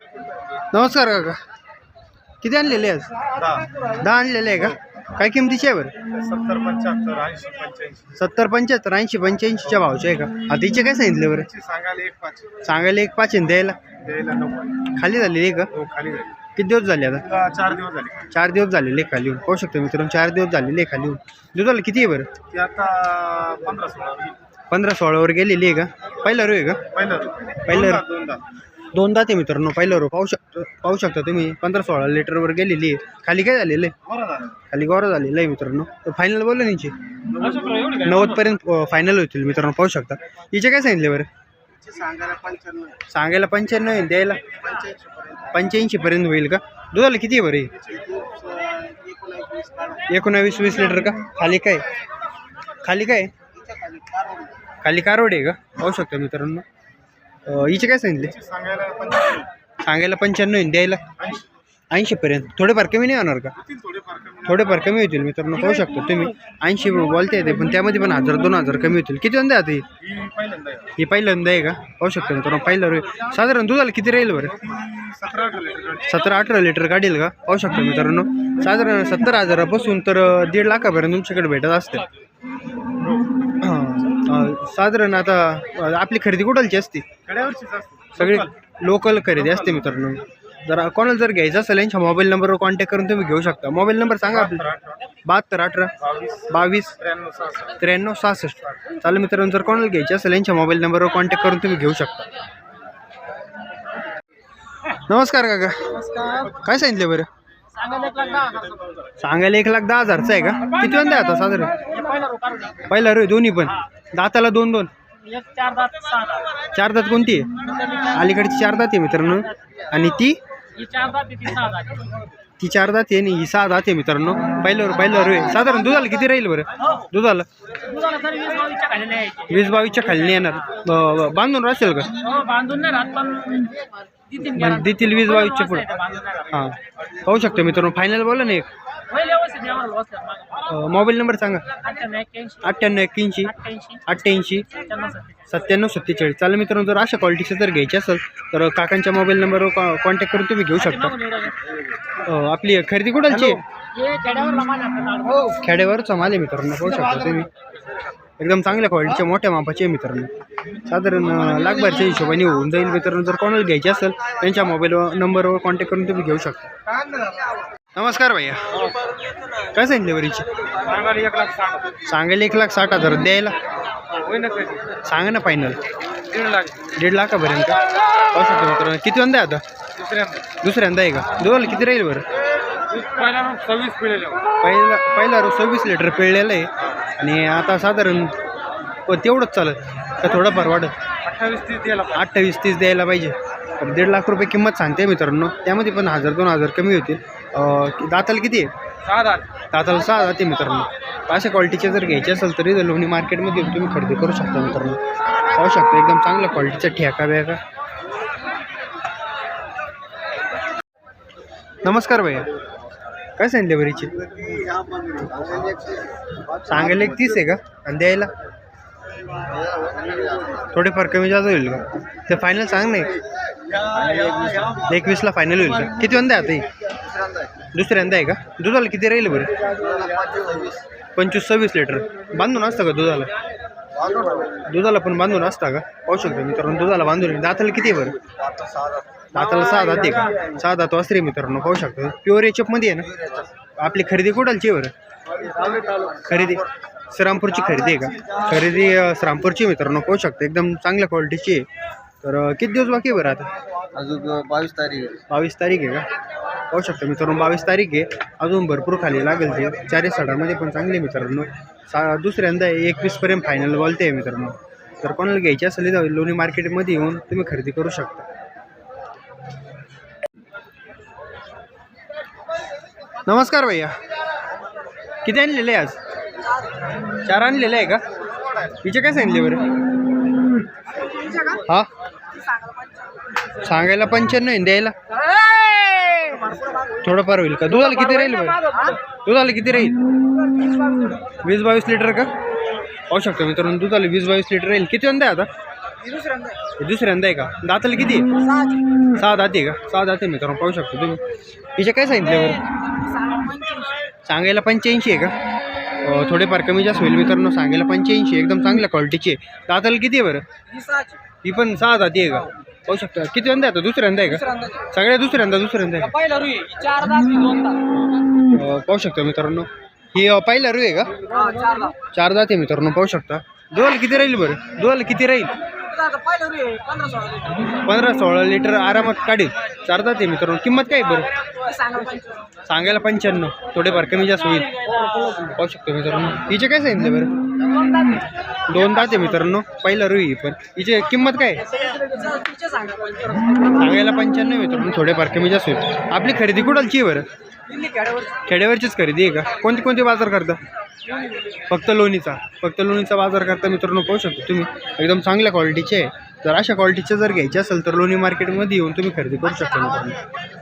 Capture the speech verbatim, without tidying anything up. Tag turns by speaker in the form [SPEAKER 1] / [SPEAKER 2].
[SPEAKER 1] नमस्कार काका, किती आणलेले आज?
[SPEAKER 2] दहा
[SPEAKER 1] दहा आणलेले आहे का? काय किमतीचे आहे बरं?
[SPEAKER 2] सत्तर पंच्याहत्तर ऐंशी पंच्याऐंशी
[SPEAKER 1] सत्तर पंच्याहत्तर ऐंशी पंच्याऐंशीच्या भावचे आहे का? आधीचे काय सांगितले बरं?
[SPEAKER 2] सांगायला एक पाच
[SPEAKER 1] सांगायला एक पाच आहे, द्यायला
[SPEAKER 2] द्यायला नव्वद
[SPEAKER 1] खाली झालेली आहे का?
[SPEAKER 2] हो खाली झाली.
[SPEAKER 1] किती दिवस झाले आता?
[SPEAKER 2] तुला चार दिवस झाले.
[SPEAKER 1] चार दिवस झालेले आहे खाली होऊन. पाहू शकतो मित्रांनो, चार दिवस झालेले आहे खाली होऊन. दुधाला किती आहे बरं?
[SPEAKER 2] ती आता पंधरा सोळा होईल.
[SPEAKER 1] पंधरा सोळावर गेलेली आहे का? पहिला रो आहे का?
[SPEAKER 2] पहिलं
[SPEAKER 1] पहिलं
[SPEAKER 2] दोनदा दोनदा
[SPEAKER 1] दोनदा ते मित्रांनो पहिला रो पाहू शकतो पाहू शकता तुम्ही. पंधरा सोळा लिटरवर गेलेली आहे. खाली काय झालेलं आहे?
[SPEAKER 2] बरं झालं.
[SPEAKER 1] खाली गोरा झालेला आहे मित्रांनो. तर फायनल बोललं नीचे नव्वद पर्यंत फायनल होतील मित्रांनो, पाहू शकता. हिचे काय सांगितले बरं?
[SPEAKER 2] सांगायला पंच्याण्णव
[SPEAKER 1] सांगायला पंच्याण्णव आहे, द्यायला
[SPEAKER 2] पंच्याऐंशी पर्यंत.
[SPEAKER 1] पंच्याऐंशी पर्यंत होईल का? दुधाला किती आहे बरं? एकोणावीस वीस लिटर का? खाली काय खाली काय खाली कारवड आहे का? पाहू शकता मित्रांनो. हिचे काय सांगितले?
[SPEAKER 2] सांगायला पंच्याण्णव
[SPEAKER 1] सांगायला पंच्याण्णव आहे, द्यायला ऐंशी पर्यंत. थोडेफार कमी नाही होणार का?
[SPEAKER 2] थोडेफार कमी.
[SPEAKER 1] थोडेफार कमी होतील मित्रांनो, पाहू शकता तुम्ही. ऐंशी बोलते येते, पण त्यामध्ये पण हजार दोन हजार कमी होतील. किती वंदा आता ही?
[SPEAKER 2] ही पहिल्यांदा आहे.
[SPEAKER 1] ही पहिल्यांदा आहे का? पाहू शकता मित्रांनो, पहिला रो. साधारण दुधाला किती राहील बरं?
[SPEAKER 2] सतरा अठरा लिटर
[SPEAKER 1] सतरा अठरा लिटर काढेल का? पाहू शकता मित्रांनो. साधारण सत्तर हजारापासून तर दीड लाखापर्यंत तुमच्याकडे भेटत असते. हां, साधारण आता आपली खरेदी कुठलची असते?
[SPEAKER 2] कड्यावरचीच असते.
[SPEAKER 1] सगळी लोकल खरेदी असते मित्रांनो. जर कोणाला जर घ्यायचं असेल यांच्या मोबाईल नंबरवर कॉन्टॅक्ट करून तुम्ही घेऊ शकता. मोबाईल नंबर सांगा आपला. बहात्तर अठरा बावीस
[SPEAKER 2] त्र्याण्णव सहासष्ट
[SPEAKER 1] त्र्याण्णव सहासष्ट. चालेल मित्रांनो, जर कोणाला घ्यायचे असेल यांच्या मोबाईल नंबरवर कॉन्टॅक्ट करून तुम्ही घेऊ शकता. नमस्कार काका, काय सांगितले बरं? सांगायला एक लाख दहा हजारचा आहे का? किती वंदा आहे आता साधारण? पहिला रो दोन्ही पण. दाताला दोन दोन चार दात कोणती आहे? अलीकडची चार दात आहे मित्रांनो. आणि ती ती चार दात आहे आणि ही सहा दात आहे मित्रांनो. पहिल्यावर पहिला रो आहे. साधारण दुधाला किती राहील बरं? दुधाला वीस बावीसच्या खाली नाही येणार. ब- बांधून राहतील का? म्हणजे देतील वीस बावीसच्या पुढे. हां, पाहू शकतो मित्रांनो. फायनल बोला ना एक. मोबाईल नंबर सांगा. अठ्ठ्याण्णव एक्क्याऐंशी अठ्ठ्याऐंशी सत्त्याण्णव सत्तेचाळीस. चालेल मित्रांनो, जर अशा क्वालिटीचं जर घ्यायचे असेल तर काकांच्या मोबाईल नंबरवर कॉ कॉन्टॅक्ट करून तुम्ही घेऊ शकता. अ, आपली खरेदी कुठलची? खेड्यावरचा माल आहे मित्रांनो, पाहू शकता तुम्ही. एकदम चांगल्या क्वालिटीच्या मोठ्या मापाचे आहे मित्रांनो. साधारण अ, लाखभरच्या हिशोबाने होऊन जाईल मित्रांनो. जर कोणाला घ्यायचे असेल त्यांच्या मोबाईल नंबरवर कॉन्टॅक्ट करून तुम्ही घेऊ शकता. नमस्कार भैया, काय सांगितले वरीची?
[SPEAKER 2] सांगायला एक लाख साठ.
[SPEAKER 1] सांगायला एक लाख साठ हजार, द्यायला
[SPEAKER 2] होईल ना कधी?
[SPEAKER 1] सांगा ना फायनल.
[SPEAKER 2] दीड लाख.
[SPEAKER 1] दीड लाखापर्यंत का? पाहू शकतो मित्रांनो. किती वंदा आहे आता?
[SPEAKER 2] दुसऱ्यांदा
[SPEAKER 1] दुसऱ्यांदा आहे का? दुधाला किती राहील बरं?
[SPEAKER 2] पहिला सव्वीस पिढेल.
[SPEAKER 1] पहिला पहिला रोज सव्वीस लिटर पिळलेलं आहे. आणि आता साधारण प- तेवढंच चालत का थोडंफार वाढत?
[SPEAKER 2] अठ्ठावीस तीस द्यायला
[SPEAKER 1] अठ्ठावीस तीस द्यायला पाहिजे. तर दीड लाख रुपये किंमत सांगते मित्रांनो. त्यामध्ये पण हजार दोन हजार कमी होतील. अं, दाताला किती आहे?
[SPEAKER 2] सहा दात.
[SPEAKER 1] दाताला सहा जाते मित्रांनो. अशा क्वालिटीचे जर घ्यायचे असेल तरी जर लोणी मार्केटमध्ये तुम्ही खरेदी करू शकता मित्रांनो. पाहू शकता एकदम चांगल्या क्वालिटीचा ठेका बिका. नमस्कार भैया, काय सांगितले बरीची? सांगायला एक तीस आहे का? आणि द्यायला थोडेफार कमी जास्त होईल का? ते फायनल सांग नाही. एकवीसला फायनल होईल का? किती वंदा आहे आता ही? दुसऱ्यांदा आहे का? दुधाला किती राहील बरं? पंचवीस सव्वीस लिटर. बांधून असतं का दुधाला? दुधाला पण बांधून असता का? पाहू शकतो मित्रांनो, दुधाला बांधून. दाताला किती आहे बरं? दाताला सहा दात आहे का? सहा दात वासरे मित्रांनो, पाहू शकतो. प्युअर एचअपमध्ये आहे ना? आपली खरेदी कुठालची आहे बरं? खरेदी श्रामपूरची खरेदी आहे का? खरेदी अ, श्रामपूरची मित्रांनो, पाहू शकतो. एकदम चांगल्या क्वालिटीची आहे. तर अ, किती दिवस बाकी आहे बरं आता?
[SPEAKER 2] अजून बावीस तारीख.
[SPEAKER 1] बावीस तारीख आहे का? पाहू शकतो मित्रांनो, बावीस तारीख आहे. अजून भरपूर खाली लागेल ते. चारी साडामध्ये पण चांगले मित्रांनो. सा दुसऱ्यांदा एकवीसपर्यंत फायनल बोलते आहे मित्रांनो. तर कोणाला घ्यायची असेल तर लोणी मार्केटमध्ये येऊन तुम्ही खरेदी करू शकता. नमस्कार भैया, किती आणलेले आहे आज? चार आणलेले आहे का? हिचे काय सांगितले बरं? हा, सांगायला पंच्याण्णव आहे, द्यायला थोडंफार होईल का? दुधाला किती राहील बरं? दुधाला किती राहील? वीस बावीस लिटर का? पाहू शकतो मित्रांनो, दुधाला वीस बावीस लिटर राहील. किती वंदा आहे आता? हे दुसऱ्यांदा आहे का? दाताला किती आहे? सहा दाते आहे का? सहा दाते मित्रांनो पाहू शकतो तुम्ही. हिचे काय सांगितले बरं? सांगायला पंच्याऐंशी आहे का? अं, थोडेफार कमी जास्त होईल मित्रांनो. सांगायला पंच्याऐंशी एकदम चांगल्या क्वालिटीची आहे. दाताला किती आहे बरं? ही पण सहा दाती आहे का? पाहू शकता. किती वंदा आहे आता? दुसऱ्यांदा आहे का? सगळ्या दुसऱ्यांदा दुसऱ्यांदा आहे का? अं, पाहू शकता मित्रांनो. ही अं, पहिला रू आहे का? चार दात आहे मित्रांनो पाहू शकता. दुधाला किती राहील बरं? दुधाला किती राहील? पंधरा सोळा लिटर आरामात काढेल. चार दात आहे मित्रांनो. किंमत काय आहे बरं? सांगायला पंच्याण्णव. थोडेफार कमी जास्त होईल. पाहू शकतो मित्रांनो. हिचे काय सांगितलं बरं? दोन दात आहे मित्रांनो. पहिला रू ही पण. हिची किंमत काय आहे? सांगायला पंच्याण्णव मित्रांनो. थोडेफार कमी जास्त होईल. आपली खरेदी कुठालची आहे बरं? खेड्यावरचीच खरेदी आहे का? कोणते कोणते बाजार करता? फक्त लोणीचा. फक्त लोणीचा बाजार करता मित्रांनो पाहू शकतो तुम्ही. एकदम चांगल्या क्वालिटीचे आहे. जर अशा क्वालिटीचे जर घ्यायचे असेल तर लोणी मार्केटमध्ये येऊन तुम्ही खरेदी करू शकता मित्रांनो.